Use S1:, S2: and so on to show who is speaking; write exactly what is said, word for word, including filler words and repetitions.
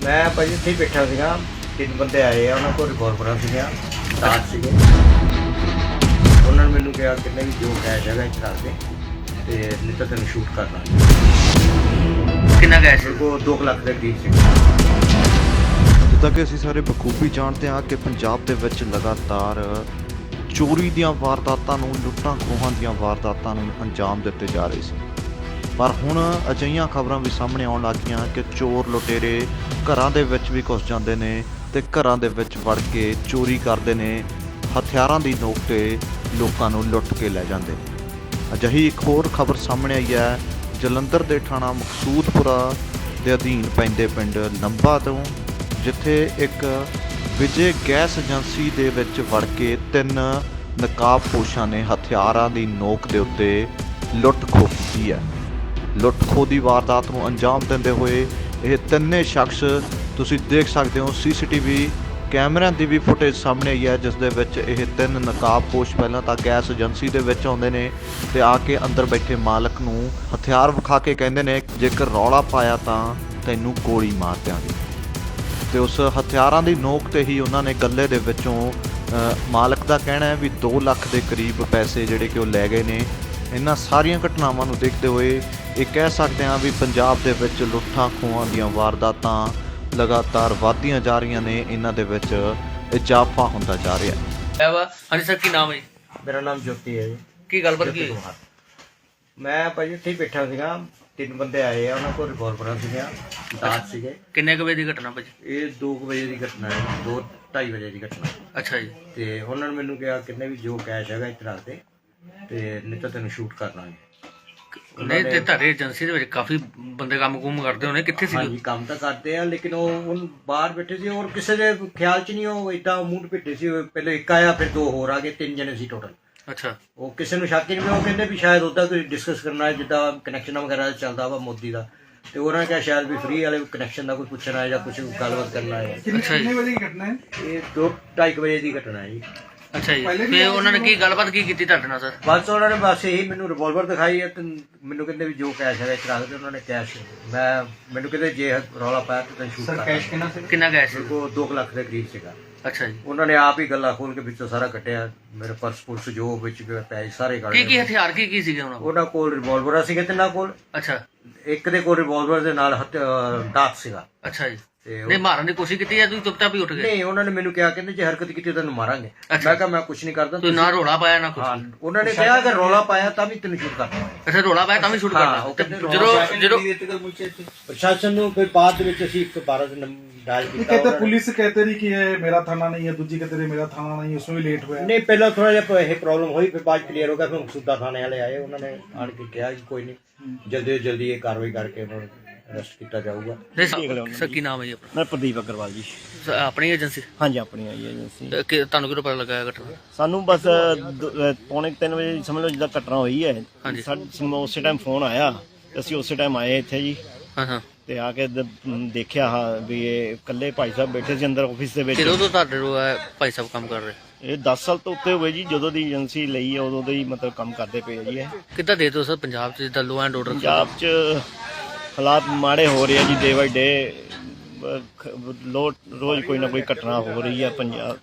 S1: मैं भाजी ਇੱਥੇ ਹੀ ਬੈਠਾ ਸੀਗਾ। ਤਿੰਨ ਬੰਦੇ ਆਏ ਆ, ਉਹਨਾਂ ਕੋਲ ਰਿਵੋਲਵਰਾਂ ਸੀਗੀਆਂ, ਦਾਤ ਸੀਗੇ। ਉਹਨਾਂ ਨੇ ਮੈਨੂੰ ਕਿਹਾ ਕਿ ਨਹੀਂ ਜੋ ਕੈਸ਼ ਹੈਗਾ ਇੱਥੇ ਰੱਖ ਦੇ ਤੇ ਨਹੀਂ ਤਾਂ ਤੈਨੂੰ ਸ਼ੂਟ ਕਰ ਲਾਂਗੇ।
S2: ਕਿੰਨਾ ਕੈਸ਼?
S1: ਉਹ ਦੋ ਲੱਖ ਦੇ ਕਰੀਬ ਸੀ।
S3: ਜਿੱਦਾਂ ਕਿ ਅਸੀਂ ਸਾਰੇ ਬਖੂਬੀ ਜਾਣਦੇ ਹਾਂ ਕਿ ਪੰਜਾਬ ਦੇ ਵਿੱਚ ਲਗਾਤਾਰ ਚੋਰੀ ਦੀਆਂ ਵਾਰਦਾਤਾਂ ਨੂੰ, ਲੁੱਟਾਂ ਖੋਹਾਂ ਦੀਆਂ ਵਾਰਦਾਤਾਂ ਨੂੰ ਅੰਜਾਮ ਦਿੱਤੇ ਜਾ ਰਹੇ ਸੀ। ਪਰ ਹੁਣ ਅਜਿਹੀਆਂ ਖਬਰਾਂ ਵੀ ਸਾਹਮਣੇ ਆਉਣ ਲੱਗੀਆਂ ਕਿ ਚੋਰ ਲੁਟੇਰੇ ਘਰਾਂ ਦੇ ਵਿੱਚ ਵੀ ਘੁਸ ਜਾਂਦੇ ਨੇ ਤੇ ਘਰਾਂ ਦੇ ਵਿੱਚ ਵੜ ਕੇ ਚੋਰੀ ਕਰਦੇ ਨੇ, ਹਥਿਆਰਾਂ ਦੀ ਨੋਕ 'ਤੇ ਲੋਕਾਂ ਨੂੰ ਲੁੱਟ ਕੇ ਲੈ ਜਾਂਦੇ ਨੇ। ਅਜਿਹੀ ਇੱਕ ਹੋਰ ਖਬਰ ਸਾਹਮਣੇ ਆਈ ਹੈ ਜਲੰਧਰ ਦੇ ਥਾਣਾ ਮਕਸੂਦਪੁਰਾ ਦੇ ਅਧੀਨ ਪੈਂਦੇ ਪਿੰਡ ਲੰਬਾ ਤੋਂ, ਜਿੱਥੇ ਇੱਕ ਵਿਜੇ ਗੈਸ ਏਜੰਸੀ ਦੇ ਵਿੱਚ ਵੜ ਕੇ ਤਿੰਨ ਨਕਾਬਪੋਸ਼ਾਂ ਨੇ ਹਥਿਆਰਾਂ ਦੀ ਨੋਕ ਦੇ ਉੱਤੇ ਲੁੱਟ ਖੋਹ ਕੀਤੀ ਹੈ। ਲੁੱਟ ਖੋਹ ਦੀ ਵਾਰਦਾਤ ਨੂੰ ਅੰਜਾਮ ਦਿੰਦੇ ਹੋਏ ਇਹ ਤਿੰਨੇ ਸ਼ਖਸ ਤੁਸੀਂ ਦੇਖ ਸਕਦੇ ਹੋ। ਸੀਸੀਟੀਵੀ ਕੈਮਰਿਆਂ ਦੀ ਵੀ ਫੁਟੇਜ ਸਾਹਮਣੇ ਆਈ ਹੈ, ਜਿਸ ਦੇ ਵਿੱਚ ਇਹ ਤਿੰਨ ਨਕਾਬਪੋਸ਼ ਪਹਿਲਾਂ ਤਾਂ ਗੈਸ ਏਜੰਸੀ ਦੇ ਵਿੱਚ ਆਉਂਦੇ ਨੇ ਤੇ ਆ ਕੇ ਅੰਦਰ ਬੈਠੇ ਮਾਲਕ ਨੂੰ ਹਥਿਆਰ ਵਿਖਾ ਕੇ ਕਹਿੰਦੇ ਨੇ ਜੇਕਰ ਰੌਲਾ ਪਾਇਆ ਤਾਂ ਤੈਨੂੰ ਗੋਲੀ ਮਾਰ ਦਿਆਂਗੇ। ਤੇ ਉਸ ਹਥਿਆਰਾਂ ਦੀ ਨੋਕ ਤੇ ਹੀ ਉਹਨਾਂ ਨੇ ਗੱਲੇ ਦੇ ਵਿੱਚੋਂ ਮਾਲਕ ਦਾ ਕਹਿਣਾ ਹੈ ਵੀ ਦੋ ਲੱਖ ਦੇ ਕਰੀਬ ਪੈਸੇ ਜਿਹੜੇ ਕਿ ਉਹ ਲੈ ਗਏ ਨੇ। ਇਹਨਾਂ ਸਾਰੀਆਂ ਘਟਨਾਵਾਂ ਨੂੰ ਦੇਖਦੇ ਹੋਏ ਇਹ ਕਹਿ ਸਕਦੇ ਹਾਂ ਵੀ ਪੰਜਾਬ ਦੇ ਵਿੱਚ ਲੁੱਟਾਂ ਖੋਹਾਂ ਦੀਆਂ ਵਾਰਦਾਤਾਂ ਲਗਾਤਾਰ ਵਧਦੀਆਂ ਜਾ ਰਹੀਆਂ ਨੇ, ਇਹਨਾਂ ਦੇ ਵਿੱਚ ਇਜ਼ਾਫਾ ਹੁੰਦਾ ਜਾ ਰਿਹਾ
S2: ਹੈ। ਹਾਂਜੀ ਸਰ, ਕੀ ਨਾਮ ਹੈ ਜੀ?
S1: ਮੇਰਾ ਨਾਮ ਜੋਤੀ ਹੈ ਜੀ।
S2: ਕੀ ਗੱਲਬਾਤ ਕੀ ਹੋਈ?
S1: ਮੈਂ ਭਾਜੀ ਇੱਥੇ ਹੀ ਬੈਠਾ ਸੀਗਾ। ਤਿੰਨ ਬੰਦੇ ਆਏ ਆ, ਉਹਨਾਂ ਕੋਲ ਰਿਵੋਲਵਰਾਂ ਸੀਗੀਆਂ, ਦਾਤ ਸੀਗੇ।
S2: ਕਿੰਨੇ ਕੁ ਵਜੇ ਦੀ ਘਟਨਾ ਭਾਜੀ?
S1: ਇਹ ਦੋ ਕੁ ਵਜੇ ਦੀ ਘਟਨਾ ਹੈ, ਦੋ ਢਾਈ ਵਜੇ ਦੀ ਘਟਨਾ।
S2: ਅੱਛਾ ਜੀ।
S1: ਤੇ ਉਹਨਾਂ ਨੇ ਮੈਨੂੰ ਕਿਹਾ ਕਿੰਨੇ ਵੀ ਜੋ ਕੈਸ਼ ਹੈਗਾ ਇੱਥੇ ਰੱਖ ਦੇ ਤੇ ਨਹੀਂ ਤਾਂ ਤੈਨੂੰ ਸ਼ੂਟ ਕਰ ਲਾਂਗੇ।
S2: ਨਹੀਂ ਤੇ ਤੁਹਾਡੇ ਏਜੰਸੀ ਦੇ ਵਿੱਚ ਕਾਫੀ ਬੰਦੇ ਕੰਮ ਕੁਮ ਕਰਦੇ ਹੋਣੇ, ਕਿੱਥੇ ਸੀ?
S1: ਹਾਂਜੀ, ਕੰਮ ਤਾਂ ਕਰਦੇ ਆ, ਲੇਕਿਨ ਉਹ ਹੁਣ ਬਾਹਰ ਬੈਠੇ ਸੀ ਔਰ ਕਿਸੇ ਦੇ ਖਿਆਲ 'ਚ ਨਹੀਂ, ਉਹ ਏਦਾਂ ਮੂੰਹ ਭਿੱਟੇ ਸੀ। ਪਹਿਲੇ ਇੱਕ ਆਇਆ, ਫਿਰ ਦੋ ਹੋਰ ਆ ਗਏ, ਤਿੰਨ ਜਣੇ ਸੀ ਟੋਟਲ।
S2: ਅੱਛਾ।
S1: ਉਹ ਕਿਸੇ ਨੂੰ ਸ਼ੱਕ ਹੀ ਨਹੀਂ, ਉਹ ਕਹਿੰਦੇ ਵੀ ਸ਼ਾਇਦ ਉੱਦਾਂ ਕੋਈ ਡਿਸਕਸ ਕਰਨਾ ਹੈ, ਜਿੱਦਾਂ ਕਨੈਕਸ਼ਨ ਵਗੈਰਾ ਚੱਲਦਾ ਵਾ ਮੋਦੀ ਦਾ, ਤੇ ਉਹਨਾਂ ਨੇ ਕਿਹਾ ਸ਼ਾਇਦ ਵੀ ਫ੍ਰੀ ਵਾਲੇ ਕਨੈਕਸ਼ਨ ਦਾ ਕੋਈ ਪੁੱਛਣਾ ਹੈ ਜਾਂ ਕੁਝ ਗੱਲਬਾਤ ਕਰਨਾ ਹੈ।
S2: ਕਿੰਨੇ
S1: ਵਜੇ ਦੀ ਘਟਨਾ ਹੈ? ਇਹ ਦੋ ਢਾਈ ਕੁ ਵਜੇ ਦੀ ਘਟਨਾ ਹੈ ਜੀ।
S2: ਅੱਛਾ ਜੀ। ਫਿਰ ਉਹਨਾਂ ਨੇ ਕੀ ਗੱਲਬਾਤ ਕੀ ਕੀਤੀ ਤੁਹਾਡੇ ਨਾਲ ਸਰ?
S1: ਬਸ ਉਹਨਾਂ ਨੇ ਬਸ ਇਹੀ ਮੈਨੂੰ ਰਿਵੋਲਵਰ ਦਿਖਾਈ ਹੈ ਤੇ ਮੈਨੂੰ ਕਹਿੰਦੇ ਵੀ ਜੋ ਕੈਸ਼ ਹੈਗਾ ਇੱਥੇ ਰੱਖ ਦੇ। ਉਹਨਾਂ ਨੇ ਕੈਸ਼, ਮੈਂ ਮੈਨੂੰ ਕਹਿੰਦੇ ਜੇ ਰੌਲਾ ਪਾਇਆ ਤਾਂ ਤੈਨੂੰ ਸ਼ੂਟ ਕਰ। ਕੈਸ਼ ਕਿੰਨਾ ਸੀ?
S2: ਕਿੰਨਾ ਕੈਸ਼?
S1: ਉਹ ਦੋ ਲੱਖ ਦੇ ਕਰੀਬ ਸੀਗਾ।
S2: ਅੱਛਾ ਜੀ।
S1: ਉਹਨਾਂ ਨੇ ਆਪ ਹੀ ਗੱਲਾਂ ਖੋਲ ਕੇ ਵਿੱਚੋਂ ਸਾਰਾ ਕੱਟਿਆ, ਮੇਰੇ ਪਰਸ ਪੁਰਸ ਜੋ ਵਿੱਚ ਪੈਸੇ ਸਾਰੇ ਕੱਢ
S2: ਕੀ ਕੀ ਹਥਿਆਰ ਕੀ ਕੀ ਸੀਗੇ ਉਹਨਾਂ ਕੋਲ?
S1: ਉਹਨਾਂ ਕੋਲ ਰਿਵੋਲਵਰਾਂ ਸੀਗੇ ਤਿੰਨਾਂ ਕੋਲ।
S2: ਅੱਛਾ।
S1: ਇੱਕ ਦੇ ਕੋਲ ਰਿਵੋਲਵਰ ਦੇ ਨਾਲ ਹਥ ਦਾਤ ਸੀਗਾ।
S2: ਅੱਛਾ ਜੀ।
S1: ਤੇ
S2: ਨਹੀਂ ਮਾਰਨ ਦੀ ਕੋਸ਼ਿਸ਼ ਕੀਤੀ ਜਾਂ ਤੁਸੀਂ ਚੁੱਪਚਾਪ ਹੀ ਉੱਠ ਗਏ?
S1: ਨਹੀਂ, ਉਹਨਾਂ ਨੇ ਮੈਨੂੰ ਕਿਹਾ ਕਹਿੰਦੇ ਜੇ ਹਰਕਤ ਕੀਤੀ ਤੈਨੂੰ ਮਾਰਾਂਗੇ। ਮੈਂ ਕਿਹਾ ਮੈਂ ਕੁਛ ਨਹੀਂ ਕਰਦਾ।
S2: ਤੁਸੀਂ ਨਾ ਰੋਲਾ ਪਾਇਆ ਨਾ ਕੁਛ?
S1: ਹਾਂ, ਉਹਨਾਂ ਨੇ ਕਿਹਾ ਕਿ ਰੌਲਾ ਪਾਇਆ ਤਾਂ ਵੀ ਤੈਨੂੰ ਸ਼ੂਟ ਕਰਨਾ।
S2: ਅੱਛਾ, ਰੋਲਾ ਪਾਇਆ ਤਾਂ ਵੀ ਸ਼ੂਟ ਕਰਨਾ? ਜਦੋਂ ਜਦੋਂ
S1: ਪ੍ਰਸ਼ਾਸਨ ਨੂੰ ਕੋਈ ਬਾਅਦ ਵਿੱਚ ਅਸੀਂ ਇੱਕ ਬਾਰਾਂ ਦੇ ਡਾਇਲ ਕੀਤਾ।
S4: कहते पुलिस कहते रही कि ये मेरा थाना नहीं है, दूजी कहते रही मेरा थाना नहीं है, उसमें भी लेट हुआ।
S1: नहीं, पहला थोड़ा ਜਿਹਾ ਇਹ ਪ੍ਰੋਬਲਮ ਹੋਈ, ਫਿਰ ਬਾਅਦ ਕਲੀਅਰ ਹੋ ਗਿਆ। ਫਿਰ ਮਕਸੂਦਾ ਥਾਣੇ ਵਾਲੇ ਆਏ, ਉਹਨਾਂ ਨੇ ਆਣ ਕੇ ਕਿਹਾ ਕਿ ਕੋਈ ਨਹੀਂ, ਜਲਦੀ ਜਲਦੀ ਇਹ ਕਾਰਵਾਈ ਕਰਕੇ ਉਹਨਾਂ ਨੂੰ ਅਰੈਸਟ ਕੀਤਾ ਜਾਊਗਾ।
S2: ਸਰ ਕੀ ਨਾਮ ਹੈ ਜੀ ਆਪਣਾ?
S5: ਮੈਂ ਪ੍ਰਦੀਪ ਅਗਰਵਾਲ ਜੀ।
S2: ਸਰ, ਆਪਣੀ ਏਜੰਸੀ?
S5: ਹਾਂਜੀ, ਆਪਣੀ ਆਈ ਏਜੰਸੀ।
S2: ਤੇ ਕਿ- ਤੁਹਾਨੂੰ ਕਿਹੜਾ ਪਤਾ ਲੱਗਾ ਇਹ ਘਟਨਾ?
S5: ਸਾਨੂੰ ਬਸ ਦ- ਪੌਣੇ ਕੁ ਤਿੰਨ ਵਜੇ ਸਮਝ ਲਓ ਜਿੱਦਾਂ ਘਟਨਾ ਹੋਈ ਹੈ,
S2: ਹਾਂਜੀ।
S5: ਸਾਨੂੰ ਉਸੇ ਟਾਈਮ ਫੋਨ ਆਇਆ ਤੇ ਅਸੀਂ ਉਸੇ ਟਾਈਮ ਆਏ ਇੱਥੇ ਜੀ।
S2: ਹਾਂ ਹਾਂ।
S5: ਤੇ ਆ ਕੇ ਦ- ਦੇਖਿਆ ਹਾਂ ਵੀ ਇਹ ਇਕੱਲੇ ਭਾਈ ਸਾਹਿਬ ਬੈਠੇ ਸੀ ਅੰਦਰ ਆਫਿਸ ਦੇ ਵਿੱਚ।
S2: ਕਿਦੋਂ ਤੋਂ ਤੁਹਾਡੇ ਕੋਲ ਇਹ ਭਾਈ ਸਾਹਿਬ ਕੰਮ ਕਰ ਰਹੇ?
S5: ਇਹ ਦਸ ਸਾਲ ਤੋਂ ਉੱਤੇ ਹੋਏ ਜੀ, ਜਦੋਂ ਦੀ ਏਜੰਸੀ ਲਈ ਹੈ ਉਦੋਂ ਦੇ ਹੀ ਮਤਲਬ ਕੰਮ ਕਰਦੇ ਪਏ ਆ ਜੀ। ਇਹ
S2: ਕਿੱਦਾਂ ਦੇ ਦਿਓ ਸਰ ਪੰਜਾਬ 'ਚ ਜਿੱਦਾਂ ਲੋ ਐਂਡ ਆਰਡਰ?
S5: ਪੰਜਾਬ 'ਚ ਹਾਲਾਤ ਮਾੜੇ ਹੋ ਰਹੇ ਆ ਜੀ, ਡੇ ਬਾਈ ਡੇ। ਲੋ ਰੋਜ਼ ਕੋਈ ਨਾ ਕੋਈ ਘਟਨਾ ਹੋ ਰਹੀ ਹੈ ਪੰਜਾਬ